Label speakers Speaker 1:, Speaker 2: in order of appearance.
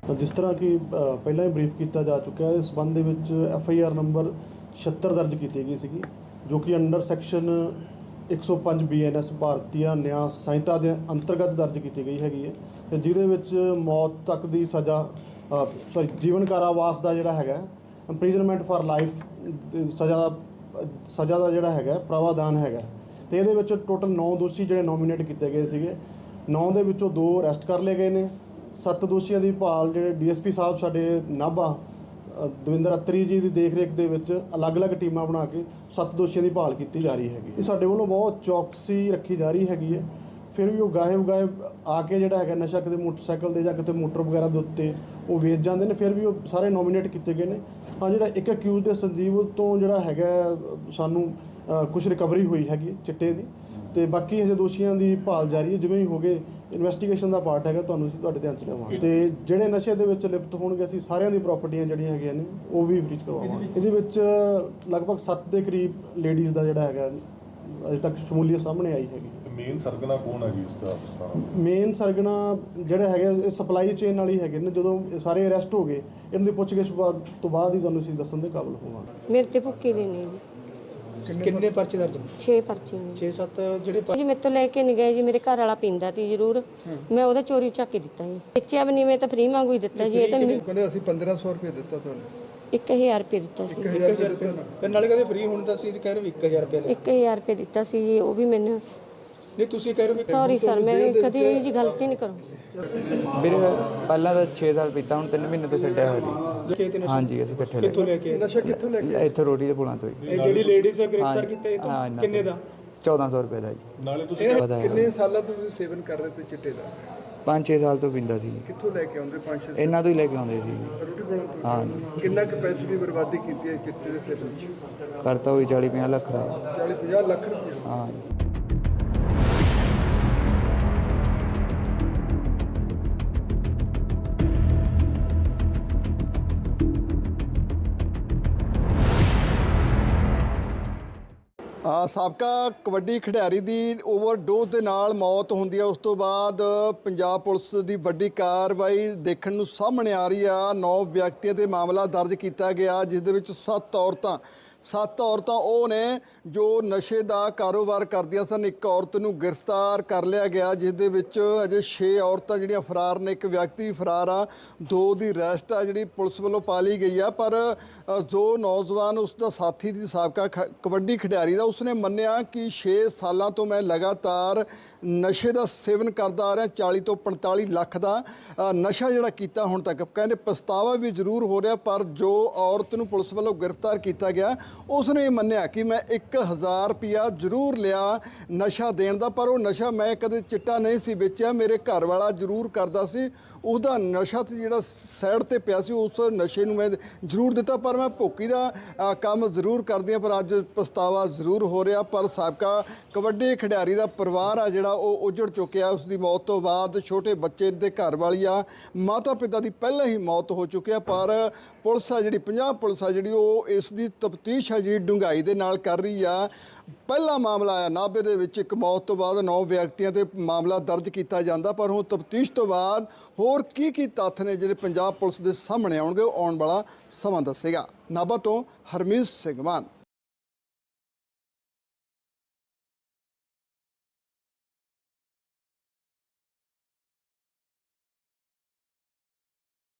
Speaker 1: जिस तरह कि ਪਹਿਲਾਂ ਹੀ ਬਰੀਫ ਕੀਤਾ ਜਾ ਚੁੱਕਿਆ ਹੈ, ਇਸ ਸੰਬੰਧ ਦੇ ਵਿੱਚ FIR ਨੰਬਰ 76 ਦਰਜ ਕੀਤੀ ਗਈ ਸੀਗੀ, ਜੋ ਕਿ ਅੰਡਰ ਸੈਕਸ਼ਨ 105 BNS ਭਾਰਤੀ ਨਿਆਂ ਸੰਹਿਤਾ ਦੇ ਅੰਤਰਗਤ ਦਰਜ ਕੀਤੀ ਗਈ ਹੈਗੀ ਹੈ, ਤੇ ਜਿਹਦੇ ਵਿੱਚ ਮੌਤ ਤੱਕ ਦੀ ਸਜ਼ਾ ਜੀਵਨ ਕਾਰਾਵਾਸ ਦਾ ਜਿਹੜਾ ਹੈਗਾ ਇੰਪ੍ਰਿਜ਼ਨਮੈਂਟ ਫਾਰ ਲਾਈਫ ਸਜ਼ਾ ਦਾ ਜਿਹੜਾ ਹੈਗਾ ਪ੍ਰਾਵਧਾਨ ਹੈਗਾ। ਤੇ ਇਹਦੇ ਵਿੱਚ ਟੋਟਲ 9 ਦੋਸ਼ੀ ਜਿਹੜੇ ਨੋਮੀਨੇਟ ਕੀਤੇ ਗਏ ਸੀਗੇ। 9 ਦੇ ਵਿੱਚੋਂ 2 ਅਰੈਸਟ ਕਰ ਲਏ ਗਏ ਨੇ। 7 ਦੋਸ਼ੀਆਂ ਦੀ ਭਾਲ ਜਿਹੜੇ DSP ਸਾਹਿਬ ਸਾਡੇ ਨਾਭਾ ਦਵਿੰਦਰ ਅੱਤਰੀ ਜੀ ਦੀ ਦੇਖ ਰੇਖ ਦੇ ਵਿੱਚ ਅਲੱਗ-ਅਲੱਗ ਟੀਮਾਂ ਬਣਾ ਕੇ 7 ਦੋਸ਼ੀਆਂ ਦੀ ਭਾਲ ਕੀਤੀ ਜਾ ਰਹੀ ਹੈਗੀ। ਇਹ ਸਾਡੇ ਵੱਲੋਂ ਬਹੁਤ ਚੌਕਸੀ ਰੱਖੀ ਜਾ ਰਹੀ ਹੈਗੀ ਹੈ। ਫਿਰ ਵੀ ਉਹ ਗਾਇਬ ਆ ਕੇ ਜਿਹੜਾ ਹੈਗਾ ਨਸ਼ਾ ਕਿਤੇ ਮੋਟਰਸਾਈਕਲ ਦੇ ਜਾਂ ਕਿਤੇ ਮੋਟਰ ਵਗੈਰਾ ਦੇ ਉੱਤੇ ਉਹ ਵੇਚ ਜਾਂਦੇ ਨੇ, ਫਿਰ ਵੀ ਉਹ ਸਾਰੇ ਨੋਮੀਨੇਟ ਕੀਤੇ ਗਏ ਨੇ। ਹਾਂ, ਜਿਹੜਾ ਇੱਕ ਅਕਿਊਜ਼ ਦੇ ਸੰਜੀਵ ਤੋਂ ਜਿਹੜਾ ਹੈਗਾ ਸਾਨੂੰ ਕੁਝ ਰਿਕਵਰੀ ਹੋਈ ਹੈਗੀ ਚਿੱਟੇ ਦੀ, ਤੇ ਬਾਕੀ ਹਜੇ ਦੋਸ਼ੀਆਂ ਦੀ ਭਾਲ ਜਾਰੀ ਹੈ। ਜਿਵੇਂ ਹੀ ਹੋ ਗਏ ਇਨਵੈਸਟੀਗੇਸ਼ਨ ਦਾ ਪਾਰਟ ਹੈਗਾ, ਤੁਹਾਨੂੰ ਤੁਹਾਡੇ ਧਿਆਨ 'ਚ ਲਿਆਵਾਂਗੇ। ਤੇ ਜਿਹੜੇ ਨਸ਼ੇ ਦੇ ਵਿੱਚ ਲਿਪਤ ਹੋਣਗੇ ਅਸੀਂ ਸਾਰਿਆਂ ਦੀ ਪ੍ਰਾਪਰਟੀਆਂ ਜਿਹੜੀਆਂ ਹੈਗੀਆਂ ਨੇ ਉਹ ਵੀ ਫਰੀਜ਼ ਕਰਵਾਵਾਂਗੇ। ਇਹਦੇ ਵਿੱਚ ਲਗਭਗ 7 ਦੇ ਕਰੀਬ ਲੇਡੀਜ਼ ਦਾ ਜਿਹੜਾ ਹੈਗਾ ਅਜੇ ਤੱਕ ਸ਼ਮੂਲੀਅਤ ਸਾਹਮਣੇ ਆਈ ਹੈਗੀ।
Speaker 2: ਮੇਨ ਸਰਗਨਾ ਕੌਣ ਹੈ ਜੀ ਇਸ ਦਾ?
Speaker 1: ਮੇਨ ਸਰਗਨਾ ਜਿਹੜਾ ਹੈਗਾ ਇਹ ਸਪਲਾਈ ਚੇਨ ਵਾਲੀ ਹੈਗੇ ਨੇ। ਜਦੋਂ ਸਾਰੇ ਅਰੈਸਟ ਹੋ ਗਏ, ਇਹਨਾਂ ਦੀ ਪੁੱਛਗਿੱਛ ਤੋਂ ਬਾਅਦ ਹੀ ਤੁਹਾਨੂੰ ਅਸੀਂ ਦੱਸਣ ਦੇ ਕਾਬਲ ਹੋਵਾਂਗੇ।
Speaker 3: ਮੇਰੇ ਤੇ ਭੁੱਕੀ ਦੇ ਨੇ ਜੀ।
Speaker 4: ਕਿੰਨੇ ਪਰਚੇ ਦਰਜ?
Speaker 3: 6 ਪਰਚੇ ਨੇ।
Speaker 4: 6-7 ਜਿਹੜੇ
Speaker 3: ਜੀ ਮੇਰੇ ਤੋਂ ਲੈ ਕੇ ਨਹੀਂ ਗਏ ਜੀ। ਮੇਰੇ ਘਰ ਵਾਲਾ ਪੀਂਦਾ ਸੀ ਜ਼ਰੂਰ, ਮੈਂ ਉਹਦਾ ਚੋਰੀ ਚੱਕ ਕੇ ਦਿੱਤਾ ਜੀ। ਵੇਚਿਆ ਵੀ ਨਹੀਂ, ਮੈਂ ਤਾਂ ਫ੍ਰੀ ਵਾਂਗੂ ਹੀ ਦਿੱਤਾ ਜੀ। ਇਹ ਤਾਂ
Speaker 5: ਕਹਿੰਦੇ ਅਸੀਂ 1500 ਰੁਪਏ ਦਿੱਤਾ ਤੁਹਾਨੂੰ।
Speaker 3: 1000 ਰੁਪਏ ਦਿੱਤਾ ਸੀ।
Speaker 4: 1000 ਰੁਪਏ ਤੇ ਨਾਲੇ ਕਹਿੰਦੇ ਫ੍ਰੀ ਹੁਣ ਤਾਂ ਅਸੀਂ ਕਹਿ ਰਹੇ ਵੀ 1000 ਰੁਪਏ
Speaker 3: 1000 ਰੁਪਏ ਦਿੱਤਾ ਸੀ ਜੀ। ਉਹ ਵੀ ਮੈਨੂੰ
Speaker 4: ਨਹੀਂ, ਤੁਸੀਂ ਕਹਿ ਰਹੇ ਹੋ
Speaker 3: ਸੌਰੀ ਸਰ, ਮੈਂ ਕਦੀ ਇਹ ਜੀ ਗਲਤੀ ਨਹੀਂ ਕਰੂੰਗੀ।
Speaker 6: ਵੀਰੇ ਪਹਿਲਾਂ ਤਾਂ 6 ਸਾਲ ਪੀਤਾ, ਹੁਣ 3 ਮਹੀਨੇ ਤੋਂ ਛੱਡਿਆ ਹੋਇਆ ਜੀ। ਹਾਂਜੀ, ਅਸੀਂ ਇਕੱਠੇ
Speaker 4: ਕਿੱਥੋਂ ਲੈ ਕੇ?
Speaker 5: ਨਸ਼ਾ ਕਿੱਥੋਂ ਲੈ ਕੇ?
Speaker 6: ਇੱਥੇ ਰੋਟੀ ਦੇ ਪੁਲਾਂ ਤੋਂ ਹੀ।
Speaker 4: ਇਹ ਜਿਹੜੀ ਲੇਡੀਜ਼ ਗ੍ਰਿਫਤਾਰ ਕੀਤਾ, ਇਹ ਤੋਂ ਕਿੰਨੇ ਦਾ?
Speaker 6: 1400 ਰੁਪਏ ਦਾ ਜੀ।
Speaker 2: ਨਾਲੇ ਤੁਸੀਂ
Speaker 5: ਕਿੰਨੇ ਸਾਲਾਂ ਤੋਂ ਤੁਸੀਂ ਸੇਵਨ ਕਰ ਰਹੇ ਤੇ ਚਿੱਟੇ ਦਾ?
Speaker 6: 5-6 ਸਾਲ ਤੋਂ ਪੀਂਦਾ ਸੀ।
Speaker 5: ਕਿੱਥੋਂ ਲੈ ਕੇ ਆਉਂਦੇ? 5-6
Speaker 6: ਇਹਨਾਂ ਤੋਂ ਹੀ ਲੈ ਕੇ ਆਉਂਦੇ ਸੀ।
Speaker 5: ਰੋਟੀ ਬਣਾਉਣ ਤੋਂ?
Speaker 6: ਹਾਂ।
Speaker 5: ਕਿੰਨਾ ਕੁ ਪੈਸੇ ਦੀ ਬਰਬਾਦੀ ਕੀਤੀ ਹੈ ਚਿੱਟੇ ਦੇ ਸੇਵਨ 'ਚ?
Speaker 6: ਕਰਤਾ ਹੋਈ 40-50 ਲੱਖ ਦਾ।
Speaker 5: 40-50 ਲੱਖ ਰੁਪਏ?
Speaker 6: ਹਾਂ।
Speaker 5: ਸਾਬਕਾ ਕਬੱਡੀ ਖਿਡਾਰੀ ਦੀ ਓਵਰਡੋਜ਼ ਦੇ ਨਾਲ ਮੌਤ ਹੁੰਦੀ ਹੈ। ਉਸ ਤੋਂ ਬਾਅਦ ਪੰਜਾਬ ਪੁਲਿਸ ਦੀ ਵੱਡੀ ਕਾਰਵਾਈ ਦੇਖਣ ਨੂੰ ਸਾਹਮਣੇ ਆ ਰਹੀ ਆ। 9 ਵਿਅਕਤੀਆਂ ਤੇ ਮਾਮਲਾ ਦਰਜ ਕੀਤਾ ਗਿਆ, ਜਿਸ ਦੇ ਵਿੱਚ 7 ਔਰਤਾਂ ਉਹ ਨੇ ਜੋ ਨਸ਼ੇ ਦਾ ਕਾਰੋਬਾਰ ਕਰਦੀਆਂ ਸਨ। ਇੱਕ ਔਰਤ ਨੂੰ ਗ੍ਰਿਫਤਾਰ ਕਰ ਲਿਆ ਗਿਆ, ਜਿਸ ਦੇ ਵਿੱਚ ਅਜੇ 6 ਔਰਤਾਂ ਜਿਹੜੀਆਂ ਫਰਾਰ ਨੇ। ਇੱਕ ਵਿਅਕਤੀ ਵੀ ਫਰਾਰ ਆ। 2 ਦੀ ਅਰੈਸਟ ਆ ਜਿਹੜੀ ਪੁਲਿਸ ਵੱਲੋਂ ਪਾ ਲਈ ਗਈ ਆ। ਪਰ ਜੋ ਨੌਜਵਾਨ ਉਸ ਦਾ ਸਾਥੀ ਦੀ ਸਾਬਕਾ ਕਬੱਡੀ ਖਿਡਾਰੀ ਦਾ, ਉਸਨੇ ਮੰਨਿਆ ਕਿ 6 ਸਾਲਾਂ ਤੋਂ ਮੈਂ ਲਗਾਤਾਰ ਨਸ਼ੇ ਦਾ ਸੇਵਨ ਕਰਦਾ ਆ ਰਿਹਾ। 40 ਤੋਂ 45 ਲੱਖ ਦਾ ਨਸ਼ਾ ਜਿਹੜਾ ਕੀਤਾ ਹੁਣ ਤੱਕ। ਕਹਿੰਦੇ ਪਛਤਾਵਾ ਵੀ ਜ਼ਰੂਰ ਹੋ ਰਿਹਾ, ਪਰ ਜੋ ਔਰਤ ਨੂੰ ਪੁਲਿਸ ਵੱਲੋਂ ਗ੍ਰਿਫਤਾਰ ਕੀਤਾ ਗਿਆ ਉਸਨੇ ਇਹ ਮੰਨਿਆ ਕਿ ਮੈਂ 1000 ਰੁਪਇਆ ਜ਼ਰੂਰ ਲਿਆ ਨਸ਼ਾ ਦੇਣ ਦਾ, ਪਰ ਉਹ ਨਸ਼ਾ ਮੈਂ ਕਦੇ ਚਿੱਟਾ ਨਹੀਂ ਸੀ ਵੇਚਿਆ। ਮੇਰੇ ਘਰ ਵਾਲਾ ਜ਼ਰੂਰ ਕਰਦਾ ਸੀ, ਉਹਦਾ ਨਸ਼ਾ ਤੇ ਜਿਹੜਾ ਸਾਈਡ ਤੇ ਪਿਆ ਸੀ ਉਸ ਨਸ਼ੇ ਨੂੰ ਮੈਂ ਜ਼ਰੂਰ ਦਿੱਤਾ, ਪਰ ਮੈਂ ਭੁੱਕੀ ਦਾ ਕੰਮ ਜ਼ਰੂਰ ਕਰਦੀ ਹਾਂ। ਪਰ ਅੱਜ ਪਛਤਾਵਾ ਜ਼ਰੂਰ ਹੋ ਰਿਹਾ। ਪਰ ਸਾਬਕਾ ਕਬੱਡੀ ਖਿਡਾਰੀ ਦਾ ਪਰਿਵਾਰ ਆ ਜਿਹੜਾ ਉਹ ਉਜੜ ਚੁੱਕਿਆ। ਉਸ ਦੀ ਮੌਤ ਤੋਂ ਬਾਅਦ ਛੋਟੇ ਬੱਚੇ ਦੇ ਘਰ ਵਾਲੀ ਆ, ਮਾਤਾ ਪਿਤਾ ਦੀ ਪਹਿਲਾਂ ਹੀ ਮੌਤ ਹੋ ਚੁੱਕੀ ਆ। ਪਰ ਪੁਲਿਸ ਆ ਜਿਹੜੀ, ਪੰਜਾਬ ਪੁਲਿਸ ਆ ਜਿਹੜੀ, ਉਹ ਇਸ ਦੀ ਤਫਤੀਸ਼ ਹੈ ਜਿਹੜੀ ਡੂੰਘਾਈ ਦੇ ਨਾਲ ਕਰ ਰਹੀ ਆ। ਪਹਿਲਾ ਮਾਮਲਾ ਆਇਆ ਨਾਭੇ ਦੇ ਵਿੱਚ, ਇੱਕ ਮੌਤ ਤੋਂ ਬਾਅਦ 9 ਵਿਅਕਤੀਆਂ ਤੇ ਮਾਮਲਾ ਦਰਜ ਕੀਤਾ ਜਾਂਦਾ, ਪਰ ਹੁਣ ਤਫਤੀਸ਼ ਤੋਂ ਬਾਅਦ ਹੋਰ ਕੀ ਤੱਥ ਨੇ ਜਿਹੜੇ ਪੰਜਾਬ ਪੁਲਿਸ ਦੇ ਸਾਹਮਣੇ ਆਉਣਗੇ, ਉਹ ਆਉਣ ਵਾਲਾ ਸਮਾਂ ਦੱਸੇਗਾ। ਨਾਭਾ ਤੋਂ ਹਰਮੀਤ ਸਿੰਘ ਮਾਨ।